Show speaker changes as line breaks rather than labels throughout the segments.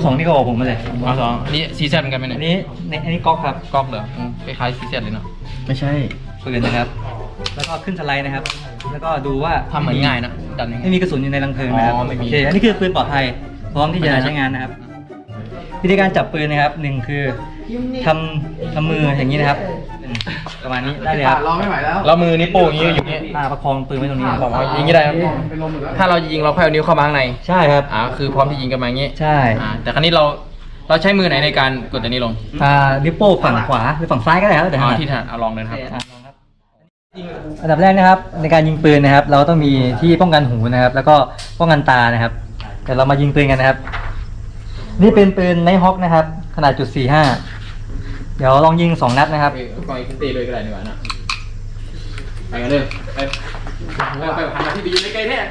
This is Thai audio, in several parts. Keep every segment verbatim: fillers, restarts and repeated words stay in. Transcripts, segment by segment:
สองนี่ก็บอกผมมาเลย
เอาสองอันนี้ซีแซดเหมือนกันไหม
อั
เนี่ย
นนี้ในอันนี้ก๊อกครับ
ก๊อกเหรออืมคล้ายๆซีแซดเลยเนาะ
ไม่ใช่ปืนนะครับ แล้วก็ขึ้นสไลด์นะครับ แล้วก็ดูว่า
ทำเหมือนง่ายนะดันยังไง
ไม่มีกระสุนอยู่ในรังเพลิงนะครับ
อ๋อไม่มี
โอเคอันนี้คือปืนปลอดภัยพร้อมที่จะใช้งานนะครับ วิธีการจับปืนนะครับหนึ่งคือทำทำมืออย่างนี้นะครับอืมประมาณนี้ได้เลยครับ
รอไม่ไหวแล้ว
เรามือนิ้วโป้งอย่างนี้อย่างนี้
อ่าประคองปืนไว้ตรงนี้ครับ
บอกว่ายิงก็ได้ครับถ้าเรายิงเราค่อยเอานิ้วเข้ามาข้างใน
ใช่ครับ
อ่าคือพร้อมที่ยิงกันมาอย่างนี้
ใช่
อ่าแต่ครั้นี้เราเราใช้มือไหนในการกดตัวนี้ลง
อ่านิ้วโป้งฝั่งขวาหรือฝั่งซ้ายก็ได้ครับแต่
อ๋อ
ถนัด
ที่ถนัดเอาลองเลยนะครับ
อ่ะลองครับอันดับแรกนะครับในการยิงปืนนะครับ เราต้องมีที่ป้องกันหูนะครับ แล้วก็ป้องกันตานะครับแต่เรามายิงปืนกันนะครับ นี่เป็นปืนไนท์ฮอคนะครับ ขนาดจุดสี่ห้าเดี๋ยวลองยิงสองนัดนะครับ
ปล่อยขึ้นตีเลยก็ได้ดีกว่านะไปกันเลยไปไปไปหันมาที่ไปยืนใกล้ๆแท้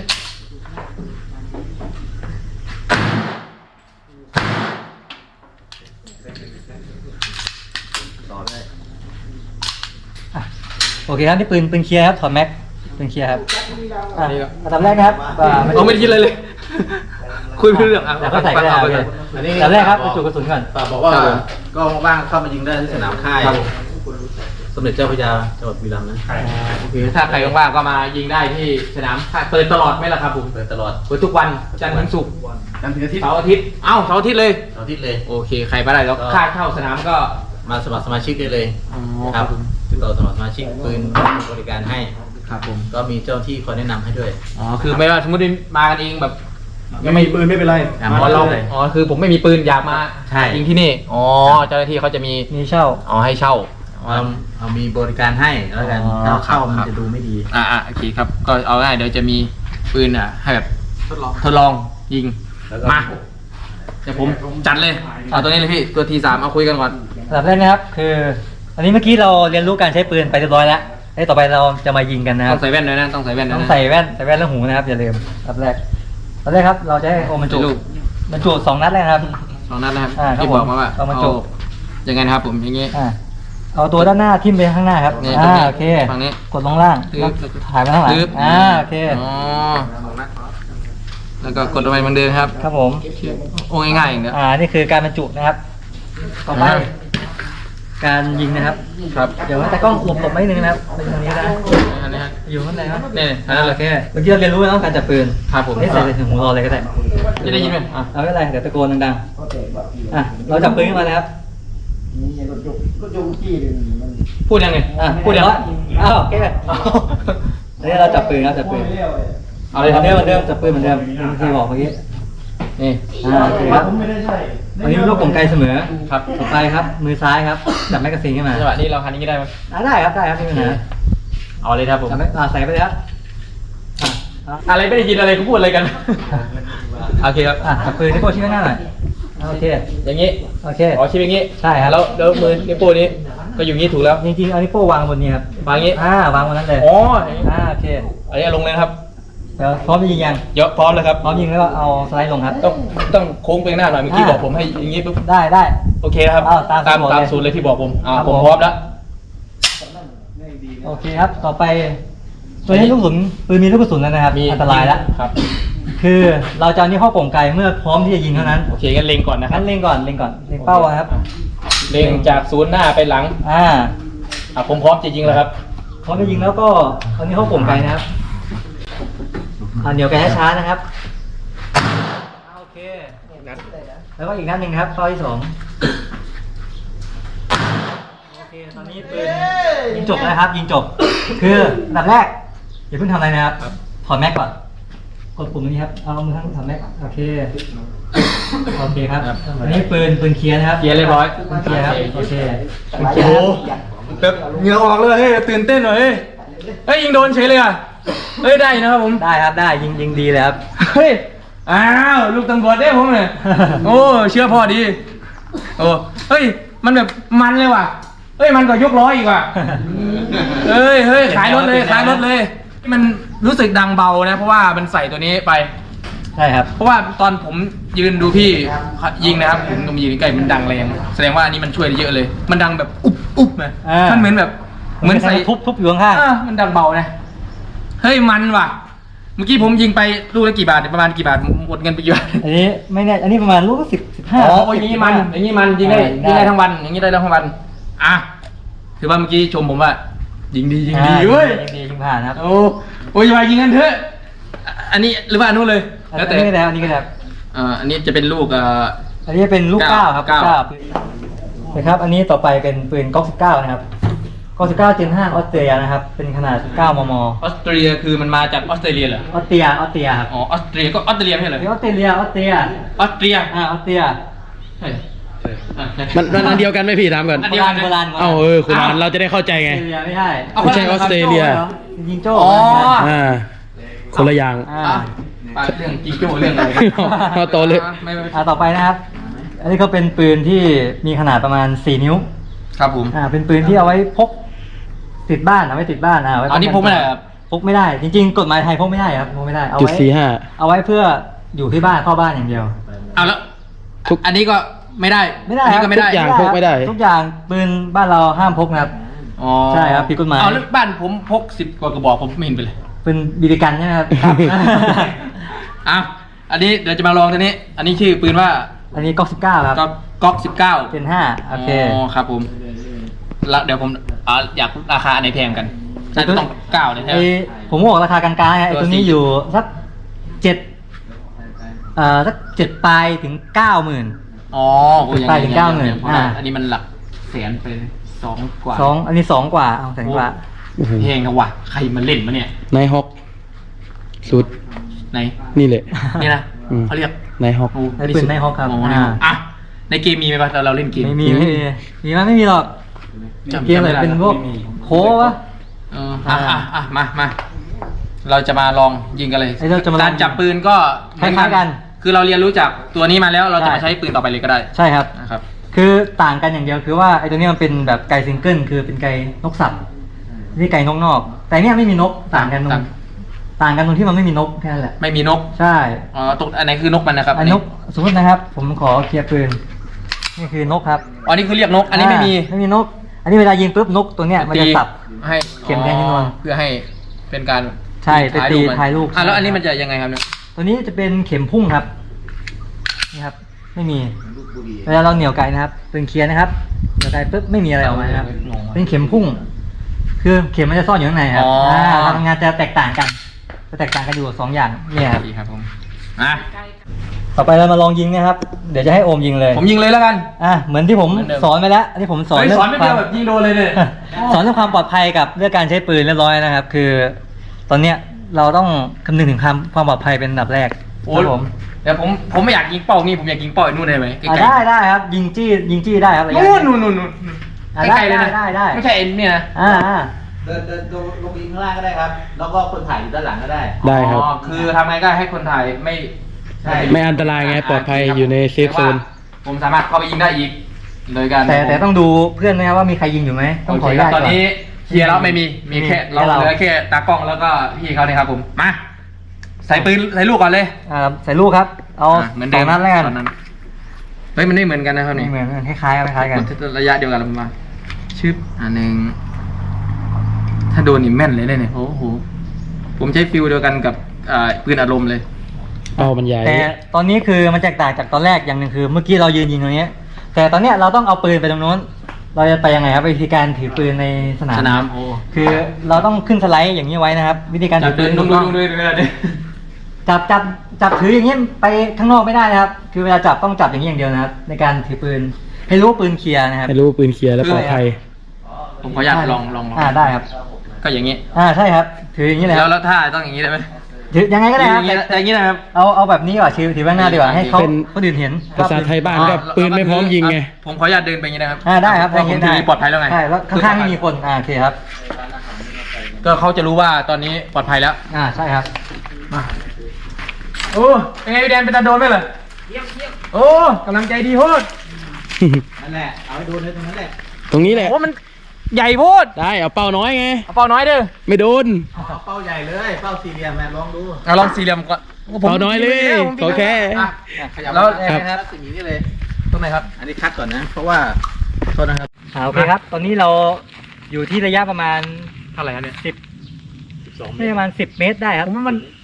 อ่ะโอเคครับนี่ปืนปืนเคลียร์ครับถอดแม็กปืนเคลียร์ครับอ่ะอันดับแรกนะครับอ่า
เอาไม่ได้คิดอะไรเลย คุยไม่รู้เรื่องอ่ะ
แล้วก็ใส่ก็ได้ครับ
อันนี้
อันดับแรกครับบรรจุกระสุนก่อน
ฝากบอกว่าก็ว่างๆเข้ามายิงได้ที่สนามค่ายสมเด็จเจ้าพระยาจังหวัดบุรีรัมย์นะ
โอเคถ้าใครว่างๆก็มายิงได้ที่สนามเปิดตลอดไหมล่ะครับผม
เปิดตลอด
เปิดทุกวันจันทร์ถึงศุกร์
จันทร์ถึงอาทิตย์
เสาร์อาทิตย์เอ้าเสาร์อาทิตย์เลย
เสาร์อาทิตย์เลย
โอเคใครมาได้แล้วค่าเข้าสนามก็
มาสมัครสมาชิกได้เลย
อ๋อ
ครับติดต่อสมัครสมาชิกปืนบริการให้
ครับผม
ก็มีเจ้าที่คอยแนะนำให้ด้วย
อ๋อคือไม่ว่าสมมติมากันเองแบบ
ไม่มีปืนไม่เป็นไร
อ๋อเราอ๋อคือผมไม่มีปืนอยากมา
ใช่
ยิงที่นี่อ๋อเจ้าหน้าที่เขาจะมี
มีเช่า
อ๋อให้เช่า
เอาเอามีบริการให้แล้วกัน
อ๋อ
ถ้าเข้ามัน
ครับ
จะดูไม่ดี
อ่าอ่าโอเคครับก็เอาง่ายเดี๋ยวจะมีปืนอ่ะให้แบบทดลองทดลองยิง
แล้วก็
มาเดี๋ยวผมจัดเลยเอาตัวนี้เลยพี่ตัวทีสามเอาคุยกันก่อน
อันดับแรกนะครับคือ อันนี้เมื่อกี้เราเรียนรู้การใช้ปืนไปเรียบร้อยแล้วไอ้ต่อไปเราจะมายิงกันนะค
ต้
รั
อบ งใส่แว่นด้วยนะต้องใส่แว่นด้วย
ต้อง
นะ
ใส่แว่นใส่แว่นแล้วหูนะครับอย่าลืมอันดับแรกอันดับแรกครับเราจะให้โอมบรรจุ
ลูก
บรรจุสองนัดเลยนะครับ
สองนัดนะครับ
อ่าครับ
ที่บอกมาว่า
เอามาจบ
ยังไงนะครับผมอย่างงี้
อ่าเอาตัวด้านหน้าทิ่มไปข้างหน้าครับ
นี่ตรง
อ่า
นี้
โอเค
ฝั่งนี้
กดลงล่าง
ปึ๊บ
ถ่ายมาข้างหลัง
ปึ๊บ
อ่าโอเค
อ๋อแล้วก็กดลงไปเหมือนเดิมครับ
ครับผม
โอ้ง่ายๆอย่างเดียว
อ่านี่คือการบรรจุนะครับต่อไป
อ่า
การยิงนะครับ
ครับ
เดี๋ยวแต่กล้องหลบหลบๆไม่นึงนะครับเป็นตรงนี้นะ
อันนี้ฮะ
อยู่ข้างในครับ
นี่
อ่าโอเคเมื่อกี้เราเรียนรู้แล้วการจับปืน
ครับผม
นี่ใส่ใส่ถึงหูเราเลยก็ได้
จะได้ยินไหมอ่ะ
เอาไม่เป็นไรเดี๋ยวตะโกนดังๆอ่ะเราจับปืนขึ้นมาเลยครับ
พูดยังไง
อ่ะ
พูดยัง
อ้าวโอเคอันนี้เราจับปืนครับจับปืน
เอาเลยครับ
เหมือนเดิมเหมือนเดิมจับปืนเหมือนเดิมที่บอกเมื่อกี้
นี่
อ่าโอเคครับอันนี้ลูกกลไกเสมอ
ครับ
ต่อไปครับมือซ้ายครับจับแมกกาซีนขึ้นมา
จังหวะนี้เราคันนี้ได้ไหม
อ่าได้ครับได้ครับไม่มีปัญหา
เอาเลยครับผม
จับแม็กอ่าใส่ไปเลยครับอ่ะอ่ะ
อะไรไม่ได้ยินอะไรเขาพูดอะไรกัน โอเคครับ
อ่ะจับปืนที่โป้ชี้ไว้หน้าหน่อยอ่ะโอเค
อย่างนี้
โอเค
อ๋อชิปอย่างนี้
ใช่ครับ
แล้วแล้วมือนิ้วโป้นี้ก็อยู่อย่างนี้ถูกแล้ว
จริงๆเอานิ้วโป้วางบนนี้ครับ
วางอย่างนี้
อ่าวางบนนั้นเลย
อ๋อ
อ่าโอเค
อันนี้ลงเลยนะครับ
เดี๋ยวพร้อมจะยิงยัง
เยอะพร้อมเลยครับ
พร้อมยิงแล้วก็เอาสไลด์ลงครับ
ต้องต้องโค้งไปข้างหน้าหน่อยเมื่อกี้
อ่า
บอกผมให้อย่างนี้ปุ๊บ
ได้ได้
โอเคนะครับ
อ้าวตาม
ตาม
สูตร
ตาม
เลย
สูตรเลยที่บอกผมอ่า
ครับ
ผม
ผม
พร้อมแล้ว
โอเคครับ ต่อไปตัวนี้ลูกกระสุนปืนมีลูกกระสุนแล้วนะครับ
มี
อันตรายแล้ว
ครับ
คือเราจะเอานี่เข้าโป่งไกลเมื่อพร้อมที่จะยิงเท่านั้น
โอเคงั้นเล็งก่อนนะครั
งั้
บ
นเล็งก่อนเล็งก่อนเล็งเป้าไว้ครับ
เล็งจากศูนย์หน้าไปหลัง
อ่า
อ่ะผมพร้อมจะยิงแล้วครับ
พร้อมจะยิงแล้วก็เอานี่เข้าโป่งไกลนะครับอ่าเหนียวไกลช้าๆนะครับโอเคแล้วก็อีกนัดหนึ่งนะครับเป้าที่สองโอเคตอนนี้ปืนยิงจบแล้วนะครับ ยิงจบ คืออันดับแรกอย่าเพิ่งทำอะไรนะครับถอดแม็กก่อนกดปุ่มนี้ครับเอามือข้างถอดแม็กโอเคโอเคครับอันนี้ปืนปืนเคลียร์นะครับ
เคลียร์เรียบร้อย
ปืนเคลียร์ครับโอเคปืนเคลียร์นะครับ
แบบเหงื่อออกเลยเฮ้ยตื่นเต้นหน่อยเฮ้ยเฮ้ยยิงโดนเฉยเลยอ่ะเฮ้ยได้นะครับผม
ได้ครับได้ยิงยิงดีเลยครับ
เฮ้ยอ้าวลูกตำรวจได้ผมเลยโอ้เชื่อพ่อดีโอ้เฮ้ยมันแบบมันเลยว่ะเฮ้ยมันก็ยกล้ออีกว่ะเฮ้ยเฮ้ยขายรถเลยขายรถเลยมันรู้สึกดังเบานะเพราะว่ามันใส่ตัวนี้ไป
ใช่ครับ
เพราะว่าตอนผมยืนดูพี่ยิงนะครับผมก็มายืนใกล้มันดังแรงแสดงว่าอันนี้มันช่วยได้เยอะเลย มันดังแบบอุ๊บอุ๊บนะ
อ่ามั
มันเหมือนแบบเหมือนใส่
ทุบทุบอยู่ข้าง
อ่ามันดังเบานะเฮ้ยมันว่ะเมื่อกี้ผมยิงไปลูกละกี่บาทเนี่ยประมาณกี่บาทหมดเงินไปเยอะ
อันนี้ไม่แน่อันนี้ประมาณลูกสิบสิบห้า
อ๋ออย่างนี้มันอย่างนี้มันยิงได้ยิงได้ทั้งวันอย่างนี้ได้ทั้งวันอ่ะถือว่าเมื่อกี้ชมผมว่ายิงดียิงดีเว้ย
ยิงดียิงผ่านครับ
โอ้โอ้ยอย่ามายิงกันเถอะอันนี้หรือว่าอันนู้นเลย
อัน
แล้วแต่
นี้ก็ได้อันนี้ก็ได้
อ่าอันนี้จะเป็นลูกเอ่อ
อันนี้เป็นลูก
เก้า
เก้าครับ
เก้า
เก้านะครับ อันนี้ต่อไปเป็นปืนก๊อกสิบเก้านะครับก๊อกสิบเก้าเจนห้าออสเตรียนะครับ เป็นขนาดเก้ามม
ออสเตรียคือมันมาจากออสเตรเลียเหรอ
ออสเตรียออสเตรียครับ
อ๋อออสเตรียก็ออสเตรเลียไม่ใช่เหรอ
ออสเตรเลียออสเตรีย
ออสเตรีย
อ่าออสเตรีย
ใช่อ่ะ
มันมันอันเดียวกันไหมพี่ถามก่อน
อัน
โบ
เดียว
รา
กั
ณ
น
โบราณ
เอ้าเออคุณมันเราจะได้เข้าใจ
ออ
ไง
สเตรเลียไม่ใช่
เอา
ไม่ใช่ออสเตรเลีย
ยิงโจ้
อ๋อ
อ่าคนละอย่าง
อ่า
อ่ะไปเรื่องจิงโจ้เรื่องอะไร
เอาต่อเลย
ไม่ไม่ไม่
อ่าต่อไปนะครับ อันนี้ก็เป็นปืนที่มีขนาดประมาณสี่นิ้ว
ครับผม
อ่า เป็นปืนที่เอาไว้พกติดบ้านเอาไว้ติดบ้านอ่าไว้
อันนี้พกไม่ได้ครับ
พกไม่ได้ จริงๆ กฎหมายไทยพกไม่ได้ครับพกไม่ได้ เอา
จุด
ไว้
สี่ห้า
เอาไว้เพื่ออยู่ที่บ้านเข้าบ้านอย่างเดียว
เอาแล้ว
ทุก
อันนี้ก็ไม่ได้
ไม่ได้
อัน
ค
นี้
รับ
ก็ไม่ได้
ทุกอย่าง
ครับ
พกไม่ได้
ทุกอย่างปืนบ้านเราห้ามพกนะครับ
อ๋อ
ใช่ครับผิดกฎหมาย
เอาแล้วบ้านผมพกสิบกว่ากระบอกผมไม่เห็นไปเลย
ปืนบีบีกันใช่ไหมครับ
อ่ะอันนี้เดี๋ยวจะมาลองตัวนี้ อันนี้ชื่อปืนว่า
อันนี้ก๊อกสิบเก้าครับ
ก๊อกก๊อกสิบเก้า
เจนห้าโอเค
อ๋อครับผมแล้วเดี๋ยวผมอ่าอยากราคาอันไหนแพงกันน่าจะต้องเก้าเลยใช่ไห
ไอ
ม
ผมบอกราคากลางๆนะไอ
ตัว
ตัวนี้
สี่
อยู่สักเจ็ดเอ่อสักเจ็ดปลายถึงเก้าหมื่น
อ๋อโอ้ยยัง
ไปถึงเก้าหมื่น
ยัง
อ่า
อันนี้มันหลักแสนไปสองกว่า
สองอันนี้สองกว่าเอาแสนกว่า
เพลงนะวะใครมันเล่นมาเนี่ย
นายฮอกสุด
ไหน
นี่แหละ
นี่นะ
อืม
เขาเรียก
นายฮอก
โอ้
ไอ้ปืนในฮอกครับ
โอ้
อ่า
อ่ะในเกมมีไหมปะเราเล่นเกม
ไม่มีไม่มีมีมั้ยไม่มีหรอก
จำ
เกมอะไร
จำไม่ได้
เป็นพวก
ไม่มี
โควะ
เอออ่ะอ่ะอ่ะมามาเราจะมาลองยิงกันเลย
ไอ้เราจะมาลอง
การจับปืนก็เหมือน
คล้ายๆกัน
คือเราเรียนรู้จากตัวนี้มาแล้วเราจะ
ใช่
มาใช้ปืนต่อไปเลยก็ได้
ใช่ครับ
นะครับ
คือต่างกันอย่างเดียวคือว่าไอ้ตัวนี้มันเป็นแบบไก่ซิงเกิลคือเป็นไก่นกสัตว์นี่ไก่นกนอก แต่เนี่ยไม่มีนกต่างกันตรง
ต่าง
ต่างกันตรงที่มันไม่มีนกแค่นั้นแหละ
ไม่มีนก
ใช่
อ๋อตรงอันไหนคือนกมันนะครับ
อันนกสมมตินะครับ ผมขอเคลียร์ปืนนี่คือนกครับ
อ๋อนี่คือเรียกนก อันนี้ไม่มี
าไม่มีนก อันนี้เวลายิงปุ๊บนกตัวเนี้ยมันจะสับ
ให้
เข็มแทงที่นวล
อ๋อเพื่อให้เป็นการ
ใช่ไปตี
มัน
ถ่ายรูป
อ่ะแล้วอันนี้มันจะยังไงครับเนี่ย
ตัวนี้จะเป็นเข็มพุ่งครับนี่ครับ ไม่มีเวลาเราเหนี่ยวไกนะครับปืนเคลียร์นะครับเหนี่ยวไกปุ๊บไม่มีอะไรออกมานะครับเป็นเข็มพุ่ง คือเข็มมันจะซ่อนอยู่ข้างในครับ
อ๋ออ่
าการทำงานจะแตกต่างกันจะแตกต่างกันอยู่สองอย่างเนี่ยครับ
ดีครับผมอ่ะ
ต่อไปเรามาลองยิงนะครับ เดี๋ยวจะให้โอมยิงเลย
ผมยิงเลยแล้วกัน
อ่ะเหมือนที่ผม
เหมือนเดิม
สอนไปแล้วที่ผมสอน
เฮ้ย
เรื่
สอนไม่
ควา
เดีย
ม
วแบบยิงโดนเลยเนี่ย
สอนเรื่องความปลอดภัยกับเรื่องการใช้ปืนเรียบร้อยนะครับ คือ ตอนเนี้ยเราต้องคำนึงถึงความความปลอดภัยเป็นอันดับแรก
โอ้
ครับผม
เดี๋ยวผมผมไม่อยากยิงเป้านี่ผมอยากยิงเป้าไอ้นู่นได้ไหมใก
อ่ะ
ล้
ได้ได้ครับ ยิงจี้ยิงจี้ได้ครับระ
ๆ
ยะ
นู่นนู่นนู่นนู่น
อ่ะ
ใกล้ๆเลยนะ
ได้ได้ได้
ไม่ใช่เอ็นเนี่ยนะ
อ่าอ่า
เดินเดินลงลงยิงข้างล่างก็ได้ครับ แล้วก็คนถ่ายอยู่ด้านหลังก็ได้
ได้ครับ
อ๋อคือทำไงก็ให้คนถ่ายไม่
ใช่
ไม่อันตรายไงปลอดภัยอยู่ในเซฟโซน
แต่ว่าผมสามารถเข้าไปยิงได้อีกโดยการ
แต่แต่ต้องดูเพื่อนนะครับว่ามีใครยิงอยู่ไหมต้องขออนุญาต
ตอน
ก่อน
นี้เคลียร์แล้วไม่มีมีแค่
มี
เรา
แค่เรา
เหลือแค่ตากล้องแล้วก็พี่เขาเนี่ยครับผมมาใส่ปืนใส่ลูกก่อนเลย
อ่าใส่ลูกครับ เอา
ะเหมือน
ส
เดิ
อง
ม
นัดแล้วกัน
ตอนนั้นเฮ้ยมันไม่เหมือนกันนะครับ
ไม่
นี่
เหมือนกันคล้ายๆกันคล้ายๆกัน
ระยะเดียวกันประมาณชึบอันหนึ่งถ้าโดนนี่แม่นเลยเนี่ยโอ้โหผมใช้ฟิลเดียวกันกับอ่าปืนอารมณ์เลย
เป้ามันใหญ่
แต่ตอนนี้คือมันแตกต่างจากตอนแรกอย่างหนึ่งคือเมื่อกี้เรายืนยิงตรงนี้ แต่ตอนเนี้ยเราต้องเอาปืนไปตรงโน้น เราจะไปยังไงครับวิธีการถือปืนในสนาม
สนามโอ้
คือเราต้องขึ้นสไลด์อย่างนี้ไว้นะครับ วิธีการ
จั
ถื
บ
อ
ปื
ปื
น
น
ดู
ถูก
ดู
ต้อง
ดูดูดูดู
จับจับจับถืออย่างนี้ไปข้างนอกไม่ได้นะครับ คือเวลาจับต้องจับอย่างนี้อย่างเดียวนะครับ ในการถือปืนให้รู้ว่าปืนเคลียร์นะครับ
ให้รู้ว่าปืนเคลียร์และปลอดภัย
ผมขออนุญาตลองลองลอง
อ่าได้ครับ
ก็อย่างนี้
อ่าใช่ครับ ถืออย่างนี้เลยค
แล้
รั
ว
บ
แล้วถ้าต้องอย่างนี้ได้ไหม
ถือยังไงก็ได้
อ
ครั
ย่า
บ
งนี้นะอย่างนี้นะครับ
เอาเอาแบบนี้ก่อนถือถือไว้ข้างหน้าดีกว่าให้เขา
เป็น
คนอื่นเห็น
ภาษาไทยบ้านก็ปืนไม่พร้อมยิงไง
ผมขออนุญาตเดินไปอย่างนี้นะครับ
อ่าได้ครับ
เพราะผมถือปลอดภัยแล้วไง
ใช่แล้วข้างๆไม่มีคนอ่าโอเคครับ
ก็เขาจะรู้ว่าตอนนี้ปลอดภัยแล้ว
อ่าใช่ครับ
มาโอ้เป็นไงพี่แดนเป็นตาโดนไหมเหรอเยี่ยมเยี่ยมโอ้กำลังใจดีโพด
นั่นแหละ เอาให้โดนเลยตรงนั้นแหละ
ตรงนี้แหละ
โอ้มันใหญ่โพด
ได้เอาเป้าน้อยไง
เอาเป้าน้อยเด้อ
ไม่โดน
เอาเป้าใหญ่เลย เป้าสี่เหลี่ยมแม่ลองดู
เอาลองสี่เหลี่ยมก่อนโผม
เป้าน้อยเลย
ผม
ขอแค่
อ่ะ
ขยับ
แล้ว
มา
ครับ
รัศมีนี่เลย
ตรงไหนครับ
อันนี้คัดก่อนนะ เพราะว่าโทษนะครับ
อ่าโอเคครับ ตอนนี้เราอยู่ที่ระยะประมาณ
เท่าไหร่ครับเนี่ย
สิบไม่ประมาณสิบเมตรได้ครับ
ผมว่ามัน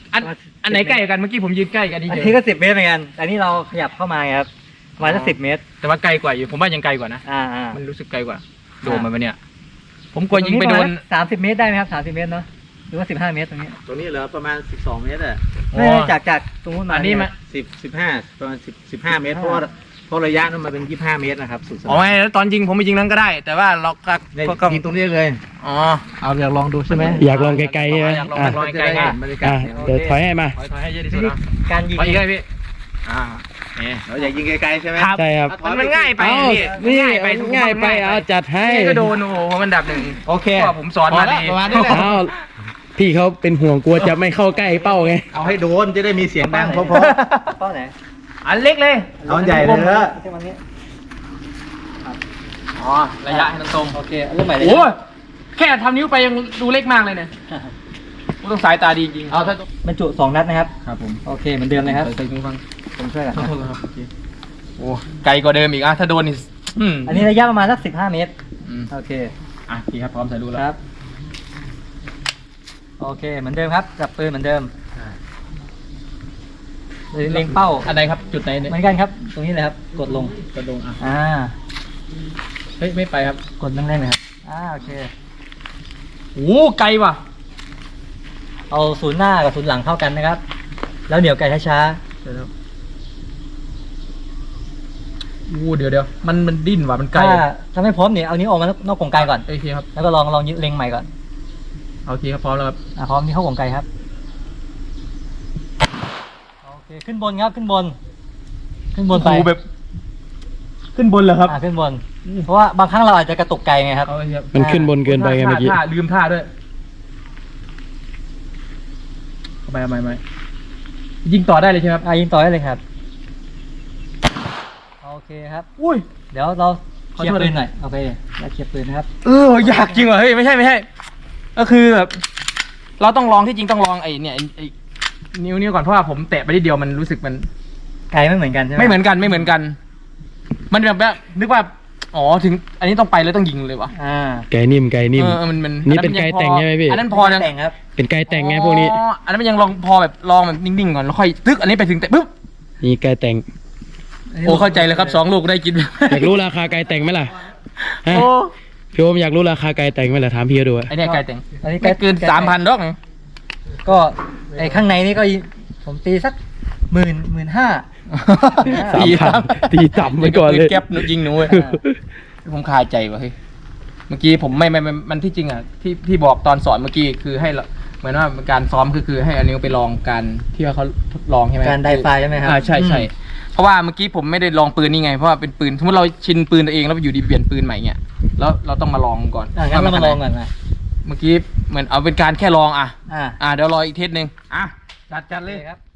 อันอันไหนใกล้กันเมื่อกี้ผมยืนใกล้กันดี
อัน
เจ
นี้ก็สิบเมตรเหมือนกันแต่นี่เราขยับเข้ามาไงครับประมาณสักสิบเมตร
แต่ว่าไกลกว่าอยู่ผมว่ายังไกลกว่านะ
อ่าอ่า
มันรู้สึกไกลกว่าโดนมันไปเนี่ย ผมกลัวยิงไปโดน
สามสิบเมตรได้ไหมครับสามสิบเมตรเนาะหรือว่าสิบห้าเมตรตรงนี้
ตรงนี้เหลือประมาณสิบสองเมตรอ่ะ
ไม่ไม่จากจากตรงนู้นมา
อันนี้มา
สิบสิบห้าประมาณสิบสิบห้าเมตรเพราะว่าเพราะระยะนั้นมันเป็นยี่สิบห้าเมตรนะครับสุดส
อ๋อไม่แล้วตอนยิงผมไปยิงนั้นก็ได้ แต่ว่าเราก็
ได้
ก็ก็
ยิงตรงนี้เลย
อ๋อ
เอาอยากลองดูใช่ไหม
อยากลองไกลๆใช่ไหม
อยากลอง
อ่ะ
ลอง
จะได้เห็นบรรยากาศ
อ่ะเดี๋ยวถอยให้มา
ถอยถอยให้เยอะที่สุ
วิ
ด
ธี
เนาะ
การยิง
ถอยอีกเลยพี่อ่าเนี่ย
เราอยากยิงไกลๆใช่ไหม
ครับ
ใช่ครับ
มันมันง่ายไป
เอ้า
พี่
นี่
ง่ายไป
ง่ายไปเอาจัดให้
นี่ก็โดนโอ้โหมันดับหนึ่ง
โอเค
เพราะว่าผมสอนมา
พอแล้ว
ดี
ประมาณนี้แหละ
อ้าวพี่เขาเป็นห่วงกลัวจะไม่เข้าใกล้เป้าไง
เอาให้โดนจะได้มีเสียงดังเพราะ
เป้าไหน
อันเล็กเลย
ๆเอาอันใหญ่เลยเถอะ
ใช่ไหมนี้
อ๋อระยะให้ตรง
โอเคเริ่มใหม่เลย
ๆโอ้ยแค่ทำนิ้วไปยังดูเล็กมากเลยเนี่ยต้องสายตาดีจริง
เอาถ้า
บรรจุสองนัดนะครับ
ครับผม
โอเคเหมือนเดิมเลยครับ
ใส่หูฟัง
ผมช่วยกัน
ขอโทษครับโอเคโอ้ไกลกว่าเดิมอีกอ่ะถ้าโดนนี่อืม
อันนี้ระยะประมาณสักสิบห้าเมตร
อืม
โอเค
อ่ะพี่ครับพร้อมใส่ดูแล้ว
ครับ โอเค เหมือนเดิมครับจับปืนเหมือนเดิมเล็งเป้า
อันไหนครับจุดไหนเนี่ย
เหมือนกันครับ ตรงนี้เลยครับ กดลง
กระดงอ่ะ
อ่า
เฮ้ยไม่ไปครับ
กดแรงๆเลยครับ อ่า โอเค
โอ้ไกลว่ะ
เอาศูนย์หน้ากับศูนย์หลังเข้ากันนะครับ แล้วเดี๋ยวไกลช้า
เดี๋ยวโอ้เดี๋ยวเดี๋ยวมันมันดิ้นว่ะมัน
ๆ
ไกล
ถ้าถ้าไม่พร้อมเนี่ยเอานิ้วออกมานอกกรงไกลก่อน
โอเคครับ
แล้วก็ลองลองเล็งใหม่ก่อน
โอเคครับพร้อมแล้วครับ
อ่าพร้อมนี่เข้ากรงไกลครับ โอเค ขึ้นบนครับ ขึ้นบน ขึ้นบนไป
โอ้โหแบบ ขึ้นบนเหรอครับ
อ่าขึ้นบน เพราะว่าบางครั้งเราอาจจะกระตุกไกลไงครับ
เอาเลยครับ
มันขึ้นบนเกินไปไงเมื่อกี้
ท่าลืมท่าด้วยเอาไปเอาไปเอาไปยิงต่อได้เลยใช่ไหมครับ
อ่ายิงต่อได้เลยครับ โอเคครับ
อุ้ย
เดี๋ยวเราเคลีย
ขอ
ร์
โทษ
ปืนหน่อย โอเคเราเคลียร์ปืนนะครับ
เอออยากจริงว่ะเฮ้ยไม่ใช่ไม่ใช่ ก็คือแบบเราต้องลองที่จริงต้องลองไอ้เนี่ยไอ้ไอ้นิ้วนิ้วก่อนเพราะว่าผมแตะไปนิดเดียวมันรู้สึกมัน
ไกลไม่เหมือนกันใช่ไหม
ไม่เหมือนกันไม่เหมือนกัน มันแบบว่านึกว่าอ๋อถึง อันนี้ต้องไปแล้วต้องยิงเลยวะ
อ่า
ไก่นิ่มไก่นิ่ม
เออมันมัน
นี่เป็นไกลแต่งใช่ไหมพี่
อันนั้นพอนะ
แต่งครับ
เป็นไก่แต่งไงพวกนี้
อ๋ออันนั้นมันยังลองพอแบบลองแบบนิ่งๆก่อนแล้วค่อยตึกอันนี้ไปถึงแต่ปุ๊บ
นี่ไก่แต่ง
โอ้เข้าใจเลยครับสองลูกได้กิน
อยากรู้ราคาไก่แต่งไหมล่ะฮะ
โอ้
พี่โอมอยากรู้ราคาไก่แต่งไหมล่ะถามพี่เขาดูอะ
ไอเนี่ยไก่แต่ง
อันนี้
ไม่เกินสามพันดอกนะ
ก็ไอ้ข้างในนี่ก็ผมตีสักหมื่นหมื่นห้า
สามพันตีต่ำไปก่อนเลย
แก๊ปหนูยิงหนูเว้ยผมคาใจว่ะเฮ้ยเมื่อกี้ผมไม่ไม่ไม่มันที่จริงอ่ะที่ที่บอกตอนสอนเมื่อกี้คือให้เราเหมือนว่าการซ้อมคือคือให้อันนี้ไปลองการที่ว่าเขาทดลองใช่ไหม
การไดไฟใช่ไหมครับ
อ่าใช่ใช่
อืม
เพราะว่าเมื่อกี้ผมไม่ได้ลองปืนนี่ไงเพราะว่าเป็นปืนสมมติเราชินปืนตัวเองแล้วไปอยู่ดีเปลี่ยนปืนใหม่เงี้ยแล้วเราต้องมาลองก่อน
อ่างั้นเรามาลองก่อนนะ
เมื่อกี้เหมือนเอาเป็นการแค่ลองอ่ะ
อ่า
อ่าเดี๋ยวรออีกเทสหนึ่งอ่ะจัดจัดเลย
ครับ